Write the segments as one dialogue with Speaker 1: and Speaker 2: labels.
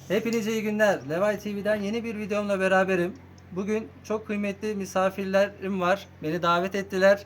Speaker 1: Hepinize iyi günler. Levay TV'den yeni bir videomla beraberim. Bugün çok kıymetli misafirlerim var. Beni davet ettiler.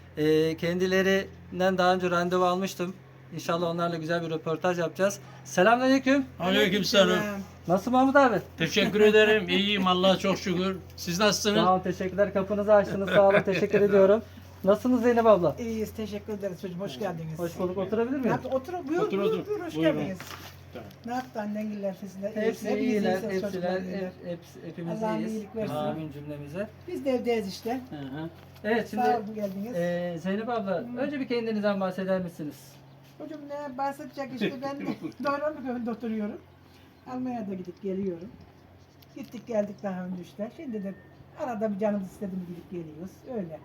Speaker 1: Kendilerinden daha önce randevu almıştım. İnşallah onlarla güzel bir röportaj yapacağız. Selamünaleyküm.
Speaker 2: Aleykümselam.
Speaker 1: Nasıl Mahmut abi?
Speaker 2: Teşekkür ederim. İyiyim Allah'a çok şükür. Siz nasılsınız?
Speaker 1: Sağ olun, teşekkürler. Kapınızı açtınız. Sağ olun, teşekkür ediyorum. Nasılsınız Zeynep abla?
Speaker 3: İyiyiz, teşekkür ederiz çocuğum. Hoş geldiniz.
Speaker 1: Hoş bulduk. Oturabilir
Speaker 3: Ne
Speaker 1: miyim?
Speaker 3: yaptın? Otur, buyur,
Speaker 2: Otur,
Speaker 3: buyur,
Speaker 2: otur.
Speaker 3: buyur, hoş
Speaker 2: Buyurun.
Speaker 3: geldiniz. Ne yaptı annengiller sizler?
Speaker 1: Hepsi
Speaker 3: Hepiniz
Speaker 1: iyiler,
Speaker 3: iyisiniz,
Speaker 1: hepsiler,
Speaker 3: çocuklar iyiler.
Speaker 1: hepimiz
Speaker 3: Allah'ın
Speaker 1: iyiyiz.
Speaker 3: iyilik versin.
Speaker 1: Amin cümlemize.
Speaker 3: Biz de evdeyiz işte.
Speaker 2: Hı hı.
Speaker 1: Evet, şimdi
Speaker 3: Sağ olun geldiniz.
Speaker 1: Zeynep abla, önce bir kendinizden bahseder misiniz?
Speaker 3: Çocuğum ne bahsedecek işte ben Doğranlı köyünde oturuyorum. Almanya'da gidip geliyorum. Gittik geldik daha önce işte. Şimdi de arada bir canımız istedi mi gidip geliyoruz. Öyle.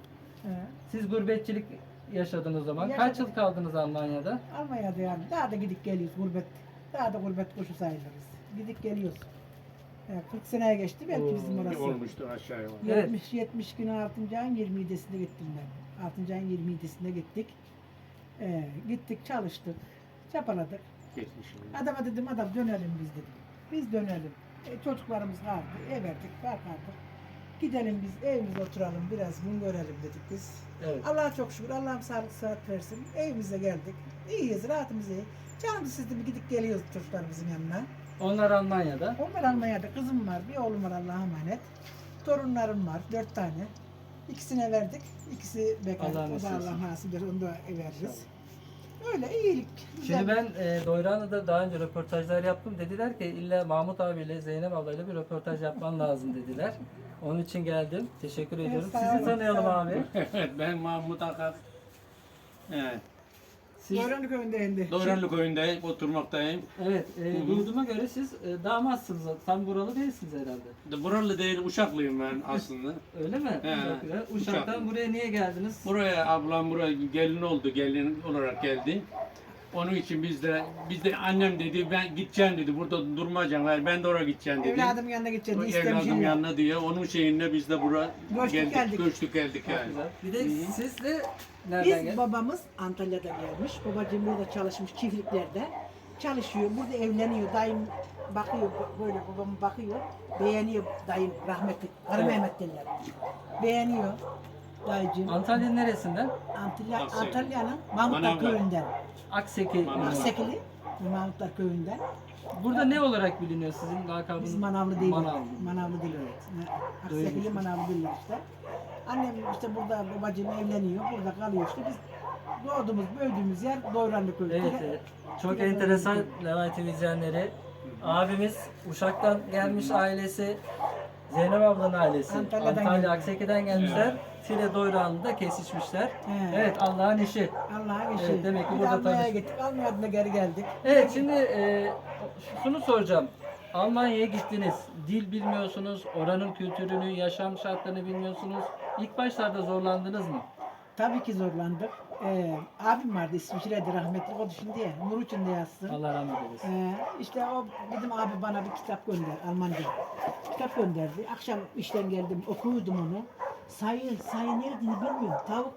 Speaker 1: Siz gurbetçilik yaşadınız o zaman. Kaç
Speaker 3: Yaşadık.
Speaker 1: yıl kaldınız Almanya'da?
Speaker 3: Almanya'da yani daha da gidip geliyoruz gurbet. Daha da gurbet kuşu sayılırız. Gidip geliyoruz. Yani 40 seneye geçti belki bizim
Speaker 2: Bir
Speaker 3: orası.
Speaker 2: olmuştur aşağı yukarı.
Speaker 1: Evet.
Speaker 3: 70 günü 6. ayın 27'sinde gittim ben. 6. ayın 27'sinde gittik. Gittik çalıştık. Çapaladık.
Speaker 2: Geçmişim.
Speaker 3: Adama dedim adam dönelim biz dedim. Biz dönelim. Çocuklarımız vardı. Ev verdik. Bakardık. Gidelim biz evimize oturalım. Biraz gün görelim dedik biz.
Speaker 1: Evet.
Speaker 3: Allah'a çok şükür. Allah'ım sağlık sıhhat versin. Evimize geldik. İyiyiz. Rahatımız iyi. Canımız sizde bir gidip geliyoruz çocuklarımızın yanına.
Speaker 1: Onlar Almanya'da.
Speaker 3: Onlar Almanya'da. Kızım var. Bir oğlum var Allah'a emanet. Torunlarım var. 4 tane. İkisine verdik. İkisi bekar.
Speaker 1: Allah
Speaker 3: O da
Speaker 1: nasip
Speaker 3: Allah
Speaker 1: etsin.
Speaker 3: nasip eder. Onu da veririz. Öyle iyilik. Güzel.
Speaker 1: Şimdi ben Doyranlı'da daha önce röportajlar yaptım. Dediler ki illa Mahmut abiyle Zeynep ablayla bir röportaj yapman lazım dediler. Onun için geldim. Teşekkür ediyorum.
Speaker 3: sağ
Speaker 1: Sizi
Speaker 3: olun,
Speaker 1: tanıyalım
Speaker 3: sağ olun.
Speaker 1: abi.
Speaker 2: Evet, ben Mahmut Akar. Evet.
Speaker 1: Siz,
Speaker 3: Doğranlı köyünde indi.
Speaker 2: Doğranlı köyünde oturmaktayım.
Speaker 1: evet,
Speaker 2: hı.
Speaker 1: duyduğuma göre siz damatsınız. Tam buralı değilsiniz herhalde.
Speaker 2: Buralı değil, Uşaklıyım ben aslında.
Speaker 1: Öyle mi?
Speaker 2: He,
Speaker 1: Çok güzel. Uşak'tan
Speaker 2: Uşak.
Speaker 1: buraya niye geldiniz?
Speaker 2: Buraya ablam buraya gelin oldu, gelin olarak geldi. Onun için biz de annem dedi ben gideceğim dedi. Burada durmayacağım. Yani ben de oraya gideceğim dedi.
Speaker 3: Evladım yanına gideceğim
Speaker 2: O
Speaker 3: diye
Speaker 2: evladım
Speaker 3: istemişim.
Speaker 2: yanına diye onun şeyinde biz de buraya
Speaker 3: Göçtük geldik.
Speaker 2: Göçtük geldik
Speaker 1: Çok
Speaker 2: yani.
Speaker 1: güzel. Bir de
Speaker 2: Hı.
Speaker 1: siz de nereden
Speaker 3: Biz
Speaker 1: geldiniz?
Speaker 3: babamız Antalya'dan gelmiş. Babacığım burada çalışmış çiftliklerde. Çalışıyor. Burada evleniyor. Dayım bakıyor böyle babam bakıyor. Beğeniyor dayım rahmetli. Karı
Speaker 1: Evet.
Speaker 3: Mehmet derler. Beğeniyor dayıcığım.
Speaker 1: Antalya'nın neresinden?
Speaker 3: Antalya'nın Mahmutlar
Speaker 2: Manavgat.
Speaker 3: köyünden.
Speaker 1: Akseki.
Speaker 2: Manavgat.
Speaker 3: Aksekili Mahmutlar köyünden.
Speaker 1: Burada ne olarak biliniyor sizin lakabınız?
Speaker 3: Biz manavlı değil.
Speaker 1: Manavlı.
Speaker 3: Manavlı değil evet. Aksekili
Speaker 1: Duymuştum.
Speaker 3: manavlı değiller işte. Annem işte burada babacığım evleniyor. Burada kalıyor işte. Biz doğduğumuz, büyüdüğümüz yer Doğranlı köyü.
Speaker 1: Evet, evet. Çok enteresan Levay TV izleyenleri. Abimiz Uşak'tan gelmiş ailesi. Zeynep ablanın ailesi.
Speaker 3: Antalya'dan
Speaker 1: Antalya
Speaker 3: geldi.
Speaker 1: Akseki'den gelmişler. File Doyranlı'da kesişmişler.
Speaker 3: He.
Speaker 1: Evet, Allah'ın işi.
Speaker 3: Allah'a geçti.
Speaker 1: Evet, demek ki
Speaker 3: Bir
Speaker 1: burada
Speaker 3: de Almanya'ya
Speaker 1: tanış-
Speaker 3: gittik. Almanya'dan da geri geldik.
Speaker 1: Evet, şimdi şunu soracağım. Almanya'ya gittiniz. Dil bilmiyorsunuz. Oranın kültürünü, yaşam şartlarını bilmiyorsunuz. İlk başlarda zorlandınız mı?
Speaker 3: Tabii ki zorlandık. Abim vardı İsviçre'de rahmetli. O da şimdi ya. Nur içinde yazsın.
Speaker 1: Allah rahmet eylesin.
Speaker 3: İşte o bizim abi bana bir kitap gönder Almanca. Kitap gönderdi. Akşam işten geldim okuyordum onu. Sayı nerede bilmiyorum. Tavuk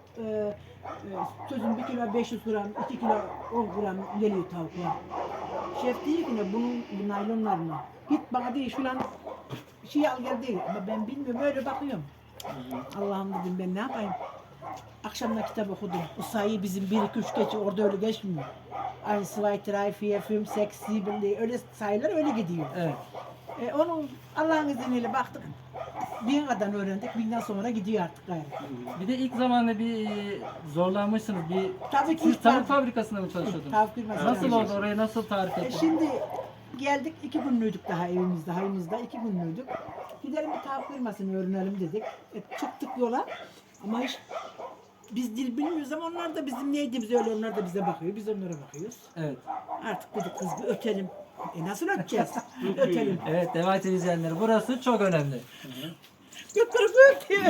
Speaker 3: sözün 1 kilo 500 gram, 2 kilo 10 gram geliyor tavuklar. Şef diyor ki ne bunun bu naylonlarına. Git bana değil şulan şey al gel değil. Ama ben bilmiyorum öyle bakıyorum. Allah'ım dedim ben ne yapayım. Akşamda kitap okudum. Bu sayı bizim 1, 2, 3 geçiyor. Orada öyle geçmiyor. 1, 2, 3, 4, 5, 6, 7 diye öyle sayılar öyle gidiyor.
Speaker 1: Evet.
Speaker 3: Onu Allah'ın izniyle baktık. 1000 kadar öğrendik. 1000'den sonra gidiyor artık gayrı.
Speaker 1: Bir de ilk zamanda bir zorlanmışsınız.
Speaker 3: Tabii ki
Speaker 1: Siz
Speaker 3: ilk
Speaker 1: tavuk
Speaker 3: ben-
Speaker 1: fabrikasında mı çalışıyordunuz?
Speaker 3: Tavuk firması
Speaker 1: Nasıl
Speaker 3: çalışıyordum.
Speaker 1: oldu? Orayı nasıl tarif ettiniz?
Speaker 3: Şimdi geldik 2 günlüydük daha evimizde, hayımızda 2 günlüydük. Gidelim bir tavuk firmasını öğrenelim dedik. Çıktık yola ama hiç biz dil bilmiyoruz ama onlar da bizim neydiğimizi öyle onlar da bize bakıyor. Biz onlara bakıyoruz.
Speaker 1: Evet.
Speaker 3: Artık dedik kız bir ötelim. Nasıl öteceğiz? Ötelim.
Speaker 1: Evet, Devam TV izleyenleri. Burası çok önemli.
Speaker 3: Götürüp ötüyor.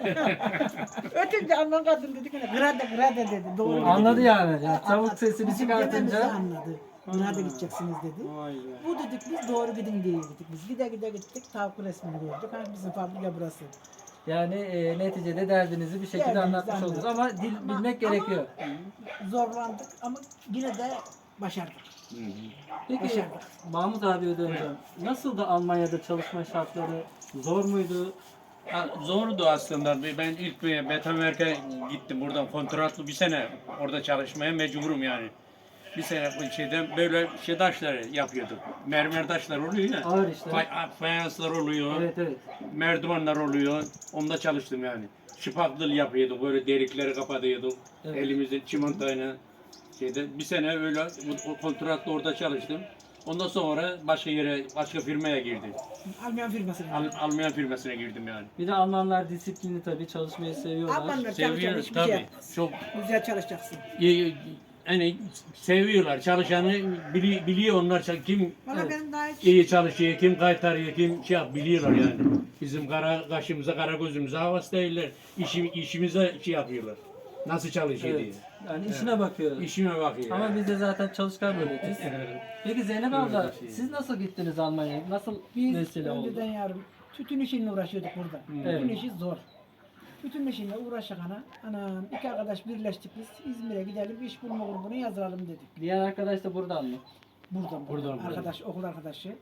Speaker 3: Ötünce Alman kadın dedi ki grade dedi. Doğru.
Speaker 1: Anladı
Speaker 3: dedi.
Speaker 1: yani. Yani tavuk sesini
Speaker 3: Bizim dememizi
Speaker 1: çıkartınca.
Speaker 3: anladı. Grade gideceksiniz dedi.
Speaker 2: Vay be.
Speaker 3: Bu dedik biz doğru gidin diye gittik biz. Gide gide gittik tavuk resmini gördük. Ha bizim fabrika burası.
Speaker 1: Yani neticede derdinizi bir şekilde
Speaker 3: Derdimizi
Speaker 1: anlatmış oldunuz.
Speaker 3: anlattık.
Speaker 1: Ama dil bilmek gerekiyor.
Speaker 3: Zorlandık ama yine de başardık.
Speaker 2: Hı hı.
Speaker 1: Peki
Speaker 3: Başardık.
Speaker 1: Mahmut abiye döneceğim. Nasıldı Almanya'da çalışma şartları? Zor muydu?
Speaker 2: Zordu aslında. Ben ilk bir Betonwerk'e gittim. Buradan kontratlı bir sene orada çalışmaya mecburum yani. Bir sene bu şeyden böyle şey taşları yapıyorduk. Mermer taşlar oluyor ya.
Speaker 1: Ağır işler.
Speaker 2: Fayanslar oluyor.
Speaker 1: Evet evet.
Speaker 2: Merdivenler oluyor. Onda çalıştım yani. Şıpaklı yapıyorduk. Böyle delikleri kapatıyorduk.
Speaker 1: Evet.
Speaker 2: Elimizde çimentoyla şeyde. Bir sene öyle o kontratlı orada çalıştım. Ondan sonra başka yere, başka firmaya girdim.
Speaker 3: Alman firmasına.
Speaker 2: Alman firmasına girdim yani.
Speaker 1: Bir de Almanlar disiplinli tabii çalışmayı seviyorlar.
Speaker 3: Almanlar çalışacak,
Speaker 2: Seviyoruz
Speaker 3: hiçbir şey
Speaker 2: tabii.
Speaker 3: yapmaz.
Speaker 2: Çok
Speaker 3: Güzel çalışacaksın.
Speaker 2: hani seviyorlar. Çalışanı biliyor onlar kim
Speaker 3: Valla
Speaker 1: Evet.
Speaker 3: benim daha hiç
Speaker 2: iyi çalışıyor, kim kaytarıyor, kim şey yap biliyorlar yani. Bizim kara kaşımıza, kara gözümüze havas değiller. İşimize şey yapıyorlar. Nasıl çalışıyor
Speaker 1: Evet. Yani işine bakıyor.
Speaker 2: diye. İşime bakıyor.
Speaker 1: Ama biz de zaten çalışkan milletiz.
Speaker 2: Evet.
Speaker 1: Peki Zeynep
Speaker 2: Öyle
Speaker 1: abla
Speaker 2: bir şey.
Speaker 1: siz nasıl gittiniz Almanya'ya? Nasıl
Speaker 3: biz
Speaker 1: vesile oldu?
Speaker 3: önceden yavrum tütün işiyle uğraşıyorduk burada. Tütün
Speaker 1: Evet.
Speaker 3: işi zor. Tütün işiyle uğraşak anam iki arkadaş birleştik biz İzmir'e gidelim iş bulma grubunu yazalım dedik.
Speaker 1: Diğer arkadaş da buradan mı?
Speaker 3: Buradan. Arkadaş, okul arkadaşı.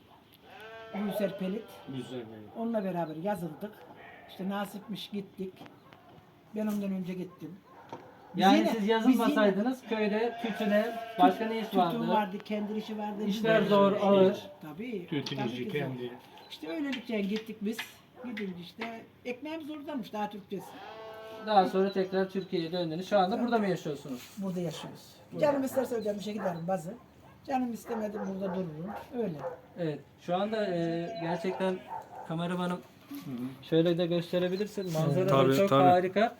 Speaker 3: Gülser Pelit.
Speaker 2: Güzel.
Speaker 3: Onunla beraber yazıldık. İşte nasipmiş gittik. Ben ondan önce gittim. Biz
Speaker 1: Yani
Speaker 3: yine-
Speaker 1: siz
Speaker 3: biz
Speaker 1: yazılmasaydınız köyde tütüne başka ne iş
Speaker 3: yine
Speaker 1: vardı?
Speaker 3: tütün vardı, kendi işi vardı.
Speaker 1: İşler
Speaker 3: biz-
Speaker 1: zor, ağır.
Speaker 3: Tabii.
Speaker 2: Tütün
Speaker 3: tabii
Speaker 2: işi
Speaker 3: ki zor.
Speaker 2: kendi.
Speaker 3: İşte öylelikle gittik biz. Gidince işte ekmeğimiz oradanmış daha Türkçesi.
Speaker 1: Daha sonra tekrar Türkiye'ye döndünüz. Şu anda burada mı yaşıyorsunuz?
Speaker 3: Burada yaşıyoruz. Canım isterse ödemişe giderim bazı. Canım istemedi burada dururum. Öyle.
Speaker 1: Evet. Şu anda gerçekten kameramanım şöyle de gösterebilirsin. Manzara da
Speaker 4: Tabii,
Speaker 1: çok
Speaker 4: tabii.
Speaker 1: harika.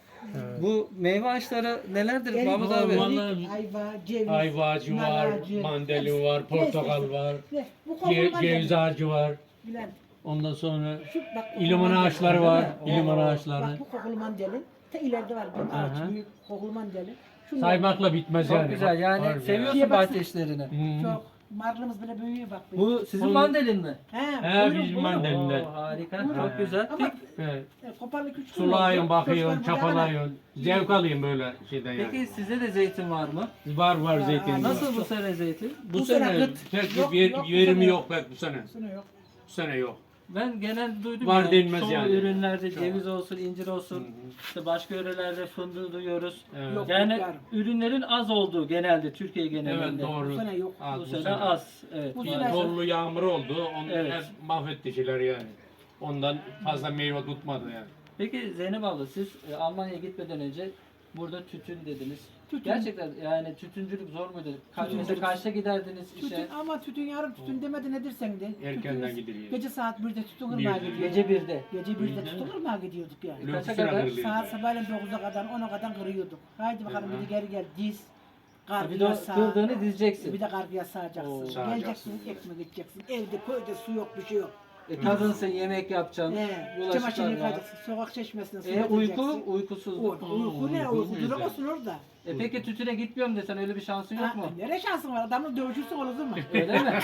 Speaker 1: Bu meyve ağaçları nelerdir
Speaker 3: Erik,
Speaker 1: Mahmut
Speaker 2: var,
Speaker 1: abi?
Speaker 2: vallahi-
Speaker 3: ayva, ceviz,
Speaker 2: Ayva ağacı
Speaker 3: nar
Speaker 2: var,
Speaker 3: ağacı,
Speaker 2: mandalina var, portakal
Speaker 3: Neyse.
Speaker 2: var,
Speaker 3: Ne? Bu kokular
Speaker 2: ceviz ağacı var.
Speaker 3: Bülent.
Speaker 2: Ondan sonra
Speaker 3: Şu bak
Speaker 2: iliman
Speaker 3: kokulan
Speaker 2: ağaçları
Speaker 3: gelin,
Speaker 2: var,
Speaker 3: değil mi?
Speaker 2: iliman
Speaker 3: Bak
Speaker 2: ağaçları.
Speaker 3: bu kokulu mandalin. Ta ileride var bir
Speaker 2: Aha.
Speaker 3: ağaç, büyük kokulu mandalin. Şunlar
Speaker 2: Saymakla bitmez
Speaker 1: Çok
Speaker 2: yani.
Speaker 1: güzel. Yani
Speaker 2: Harbi
Speaker 1: seviyorsun
Speaker 3: Şeye baksana.
Speaker 1: bahçe işlerini.
Speaker 2: Hmm.
Speaker 3: çok. Marlımız bile büyüyor bak.
Speaker 1: Bu sizin
Speaker 2: Onu-
Speaker 1: mandalin mi?
Speaker 2: He,
Speaker 3: buyurun,
Speaker 2: bizim
Speaker 3: buyurun.
Speaker 2: mandalin.
Speaker 1: Oo, harika.
Speaker 3: Buyurun.
Speaker 1: Çok güzel.
Speaker 3: Ama
Speaker 1: Peki,
Speaker 2: Evet.
Speaker 3: koparlı küçük.
Speaker 2: Sulayın, bakıyorsun,
Speaker 3: Çocuklar burada
Speaker 2: çapalayın. Zevk alayım böyle şeyden yani.
Speaker 1: peki size de zeytin var mı?
Speaker 2: Var zeytin.
Speaker 1: Nasıl bu sene zeytin?
Speaker 2: Bu
Speaker 3: Bu sene
Speaker 2: sene
Speaker 3: kıt.
Speaker 2: pek
Speaker 3: Yok,
Speaker 2: bir
Speaker 3: yok, bu
Speaker 2: verimi
Speaker 3: sene
Speaker 2: yok pek bu sene.
Speaker 3: ana. Sene yok.
Speaker 2: Bu sene yok.
Speaker 1: Ben genel duydum
Speaker 2: Var
Speaker 1: ya,
Speaker 2: denmez
Speaker 1: çoğu
Speaker 2: yani.
Speaker 1: ürünlerde ceviz olsun, incir olsun,
Speaker 2: Hı hı.
Speaker 1: işte başka yörelerde fındığı duyuyoruz.
Speaker 2: Evet.
Speaker 3: Yok.
Speaker 1: Yani
Speaker 3: Yok,
Speaker 1: ürünlerin az olduğu genelde Türkiye
Speaker 2: Evet
Speaker 1: genelinde.
Speaker 2: doğru.
Speaker 3: Bu sene yok.
Speaker 2: Az
Speaker 1: Bu sene az. Evet.
Speaker 3: Bu
Speaker 1: maalesef.
Speaker 3: sene-
Speaker 2: Dollu yağmur oldu. Onu
Speaker 1: Evet.
Speaker 2: hep mahvetti şeyler yani. Ondan fazla meyve tutmadı yani.
Speaker 1: Peki Zeynep abla siz Almanya'ya gitmeden önce burada tütün dediniz.
Speaker 3: Tütün.
Speaker 1: Gerçekten yani tütüncülük zor muydu? Mesela kaçta giderdiniz işe?
Speaker 3: Tütün ama tütün yarım tütün demedi nedir sen de.
Speaker 2: Erkenden
Speaker 3: Tütün-
Speaker 2: gidiliyor.
Speaker 3: Gece saat 1'de tütün
Speaker 2: Birde.
Speaker 3: kırmaya gidiyorduk.
Speaker 1: Gece 1'de.
Speaker 3: Gece 1'de tütün kırmaya gidiyorduk yani.
Speaker 2: Lüks
Speaker 1: Kaça
Speaker 2: sıra
Speaker 1: kadar?
Speaker 2: kırılıyor.
Speaker 3: Saat sabahleyin 9'a kadar 10'a kadar kırıyorduk. Haydi bakalım
Speaker 2: Hı hı.
Speaker 3: bir de geri gel diz.
Speaker 1: Bir de
Speaker 3: Kargıya
Speaker 1: o
Speaker 3: sağ.
Speaker 1: kırdığını dizeceksin.
Speaker 3: Bir de kargıya sağacaksın.
Speaker 1: Oo.
Speaker 2: Sağacaksın.
Speaker 3: Geleceksin ekmek içeceksin. Evde köyde su yok bir şey yok.
Speaker 1: Kadınsın yemek yapacaksın.
Speaker 3: Çamaşırını
Speaker 1: Bulaşıklar var.
Speaker 3: yıkayacaksın. Sokak çeşmesine su
Speaker 1: Uyku,
Speaker 3: getireceksin.
Speaker 1: uykusuzluk.
Speaker 3: Uyku ne? Uyku
Speaker 2: güzel.
Speaker 3: duramazsın orada.
Speaker 1: Peki tütüne gitmiyorum desen öyle bir şansın yok mu?
Speaker 3: Nereye şansın var? Adamla dövüşürsün olur mu?
Speaker 1: Öyle mi?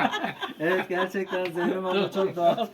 Speaker 1: Evet gerçekten Zeynep abla çok doğal.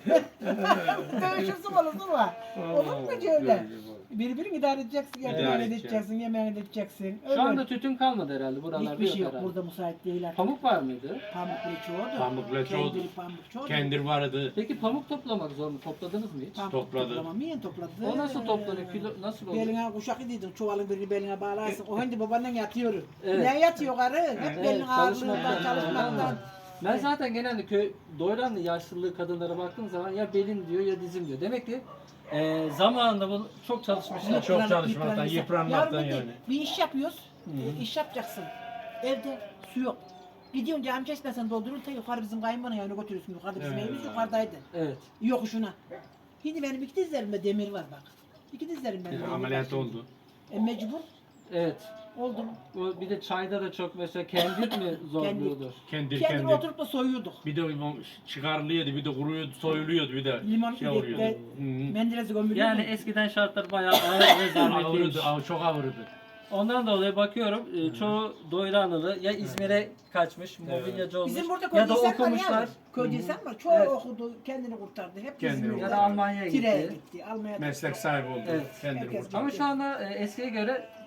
Speaker 3: Dövüşürsün olur mu? Olur mu hiç öyle? Birbirini idare edeceksin, yemeğini
Speaker 2: İdare
Speaker 3: de
Speaker 2: edeceksin.
Speaker 3: edeceksin, yemeğini de edeceksin. Öyle.
Speaker 1: Şu anda tütün kalmadı herhalde buralarda
Speaker 3: hiçbir şey yok.
Speaker 1: herhalde.
Speaker 3: Burada müsait değil artık.
Speaker 1: Pamuk var mıydı?
Speaker 3: Pamuklu çoğudu.
Speaker 2: Pamuklu çoğudu.
Speaker 3: Kendir pamuk çoğudu.
Speaker 2: Kendir vardı.
Speaker 1: Peki pamuk toplamak zor mu? Topladınız mı hiç?
Speaker 3: Pamuk
Speaker 2: topladı.
Speaker 3: Toplamayan topladı.
Speaker 1: O nasıl toplanıyor? Kilo nasıl oluyor?
Speaker 3: Beline kuşak ediyordun, çuvalın birini beline bağlarsın. O hindi babandan yatıyor.
Speaker 1: Evet.
Speaker 3: Ne yatıyor karı? Hep
Speaker 1: Evet,
Speaker 3: belin ağırlığından,
Speaker 1: çalışmaktan.
Speaker 3: çalışmaktan.
Speaker 1: Ben zaten genelde köy doyranlı yaşlılığı kadınlara baktığım zaman ya belin diyor ya dizim diyor. Demek ki zamanında bunu çok çalışmışlar.
Speaker 2: Çok çalışmaktan, yıpranmaktan
Speaker 3: Yarın bir de
Speaker 2: yani.
Speaker 3: Bir iş yapıyoruz, iş yapacaksın. Evde su yok. Gidiyorsun cam çeşmesini doldurun, ta yukarı bizim kayınbana yanına götürüyorsun. Yukarıda bizim
Speaker 2: Evet.
Speaker 3: evimiz yukarıdaydı.
Speaker 1: Evet.
Speaker 3: Yokuşuna. Şimdi benim iki dizlerimde demir var bak. İki dizlerim benim. demir
Speaker 2: Ameliyat
Speaker 3: var.
Speaker 2: oldu.
Speaker 3: Mecbur
Speaker 1: Evet.
Speaker 3: oldum.
Speaker 1: Bu bir de çayda da çok mesela kendir mi zorluyordu?
Speaker 2: Kendir
Speaker 3: Kendini
Speaker 2: kendir.
Speaker 3: oturup da soyuyorduk.
Speaker 2: Bir de çıkarılıyordu, bir de kuruyordu, soyuluyordu, bir de
Speaker 3: Limon
Speaker 2: şey oluyordu.
Speaker 3: ilikte Menderes'i gömülüyordu.
Speaker 1: Yani eskiden şartlar bayağı ağır ve zahmetliymiş.
Speaker 2: Ağırdı, çok ağırdı.
Speaker 1: Ondan dolayı bakıyorum çoğu doyranlılı ya İzmir'e kaçmış, mobilyacı olmuş
Speaker 3: Bizim burada
Speaker 1: ya da
Speaker 3: köydeysen var
Speaker 1: okumuşlar
Speaker 3: ya. Köydeysen var. Çoğu
Speaker 1: Evet.
Speaker 3: okudu, kendini kurtardı. Hep
Speaker 2: Kendini
Speaker 3: İzmir'de.
Speaker 1: ya da Almanya'ya
Speaker 3: Tire'ye
Speaker 1: gitti.
Speaker 3: gitti. Almanya'da.
Speaker 2: Meslek sahibi oldu.
Speaker 1: Evet.
Speaker 2: Kendini
Speaker 3: Herkes-
Speaker 2: kurtardı.
Speaker 1: Ama şu anda eskiye göre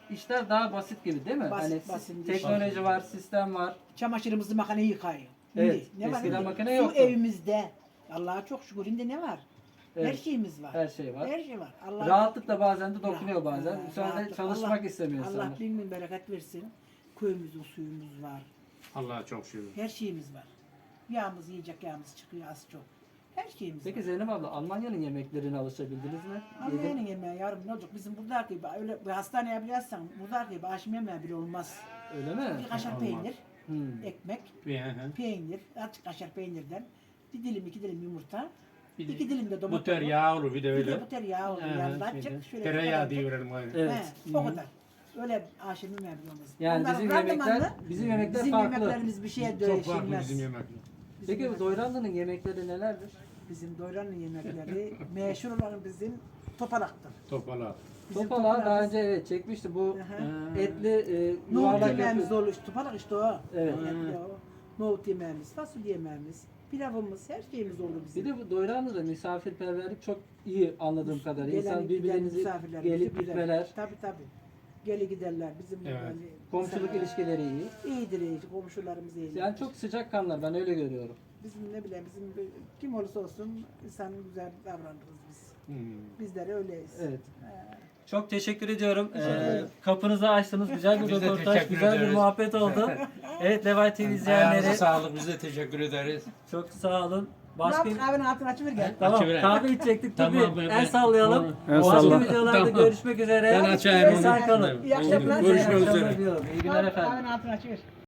Speaker 1: işler daha basit gibi değil mi?
Speaker 3: Basit,
Speaker 1: Hani
Speaker 3: basit.
Speaker 1: teknoloji var, sistem var.
Speaker 3: Çamaşırımızı makine yıkayıyor.
Speaker 1: Evet,
Speaker 3: Ne var?
Speaker 1: eskiden
Speaker 3: Şimdi
Speaker 1: makine
Speaker 3: su
Speaker 1: yoktu.
Speaker 3: evimizde. Allah'a çok şükür. Şimdi ne var? Her
Speaker 1: Evet,
Speaker 3: şeyimiz var.
Speaker 1: her şey var.
Speaker 3: Her şey var. Allah
Speaker 1: Rahatlık da bazen de dokunuyor bazen.
Speaker 3: Ha,
Speaker 1: Bu sefer de
Speaker 3: rahatlık.
Speaker 1: çalışmak
Speaker 3: Allah-
Speaker 1: istemiyor
Speaker 3: Allah
Speaker 1: insanlar.
Speaker 3: bin bin bereket versin. Köyümüzün suyumuz var.
Speaker 2: Allah'a çok şükür.
Speaker 3: Her şeyimiz var. Yağımız yiyecek yağımız çıkıyor az çok. Her şeyimiz
Speaker 1: Peki
Speaker 3: var.
Speaker 1: Zeynep abla, Almanya'nın yemeklerine alışabildiniz mi? Yedin-
Speaker 3: Almanya'nın yemeği yavrum ne olacak? Bizim buradaki gibi öyle bir hastaneye biliyorsan buradaki gibi aşım yemeği bile olmaz.
Speaker 1: Öyle mi?
Speaker 3: Bir kaşar
Speaker 2: Olmaz.
Speaker 3: peynir,
Speaker 1: Hmm.
Speaker 3: ekmek,
Speaker 2: Hı.
Speaker 3: peynir, azıcık kaşar peynirden bir dilim iki dilim yumurta,
Speaker 2: Bir de
Speaker 3: iki dilim de
Speaker 2: Bu
Speaker 3: domates.
Speaker 2: tereyağı olur bir de
Speaker 3: Bir
Speaker 2: öyle.
Speaker 3: de bu tereyağı olur.
Speaker 2: Hı,
Speaker 3: Yanında
Speaker 2: şeyde.
Speaker 3: açık şöyle.
Speaker 2: Tereyağı
Speaker 3: bir
Speaker 2: diyorum.
Speaker 1: Evet.
Speaker 3: He, o kadar. Öyle aşım yemeği bile olmaz.
Speaker 1: Yani
Speaker 3: Onların
Speaker 1: bizim
Speaker 3: randımanlı,
Speaker 1: yemekler, bizim yemekler
Speaker 3: bizim
Speaker 1: farklı.
Speaker 3: yemeklerimiz bir şeye
Speaker 2: Çok farklı
Speaker 3: değişilmez.
Speaker 2: bizim yemekler.
Speaker 3: Bizim
Speaker 1: Peki bu
Speaker 3: yemek-
Speaker 1: Doyranlı'nın yemekleri nelerdir?
Speaker 3: Bizim Doyran'ın yemekleri meşhur olan bizim topalaktır.
Speaker 2: Topala.
Speaker 3: Bizim
Speaker 1: Topalağı daha
Speaker 3: topalağımız-
Speaker 1: önce evet çekmişti. Bu
Speaker 3: Aha.
Speaker 1: etli
Speaker 3: Nohut
Speaker 1: yuvarlak
Speaker 3: yemeğimiz
Speaker 1: yapıyor.
Speaker 3: olur. Topalak işte o.
Speaker 1: Evet.
Speaker 3: Etli o. Nohut yemeğimiz, fasulye yemeğimiz, pilavımız, her şeyimiz olur bizim.
Speaker 1: Bir de bu Doyranlı'da misafirperverlik çok iyi anladığım kadarıyla. İnsan
Speaker 3: Gelen giden
Speaker 1: birbirinizi
Speaker 3: misafirlerimizi
Speaker 1: gelip
Speaker 3: güzel.
Speaker 1: gitmeler,
Speaker 3: Tabii tabii. Geli giderler bizim
Speaker 2: Evet.
Speaker 3: yani
Speaker 1: komşuluk
Speaker 3: insanlar-
Speaker 1: ilişkileri iyi.
Speaker 3: iyidir iyi. Komşularımız iyidir.
Speaker 1: Yani çok sıcak kanlar, ben öyle görüyorum.
Speaker 3: Bizim ne bileyim kim olursa olsun insanın güzel davranırız biz.
Speaker 2: Hmm.
Speaker 3: Bizler öyleyiz.
Speaker 1: Evet.
Speaker 3: He.
Speaker 1: Çok teşekkür ediyorum.
Speaker 3: ederim.
Speaker 1: Kapınızı açtınız. Güzel bir
Speaker 2: Biz de
Speaker 1: röportaj,
Speaker 2: teşekkür
Speaker 1: güzel bir
Speaker 2: ederiz.
Speaker 1: muhabbet oldu. Evet Levay TV
Speaker 2: Ayağınıza
Speaker 1: izleyenleri
Speaker 2: sağlık. Biz de teşekkür ederiz.
Speaker 1: çok sağ olun.
Speaker 3: Ne
Speaker 1: Başka
Speaker 3: yaptık kahvenin altını açıver gel.
Speaker 1: Tamam,
Speaker 2: Açıverelim.
Speaker 1: kahve içecektik.
Speaker 2: Tamam,
Speaker 1: Tamam,
Speaker 2: ben-
Speaker 1: el sallayalım.
Speaker 4: El
Speaker 1: Başka
Speaker 4: salla.
Speaker 1: videolarda
Speaker 2: Tamam.
Speaker 1: görüşmek üzere.
Speaker 2: Ben açayım onu.
Speaker 1: Esen kalın.
Speaker 3: İyi akşamlar.
Speaker 2: Görüşmek
Speaker 1: İyi akşamlar
Speaker 2: üzere.
Speaker 1: diyorum. İyi günler efendim.
Speaker 3: Kahvenin altını açıver.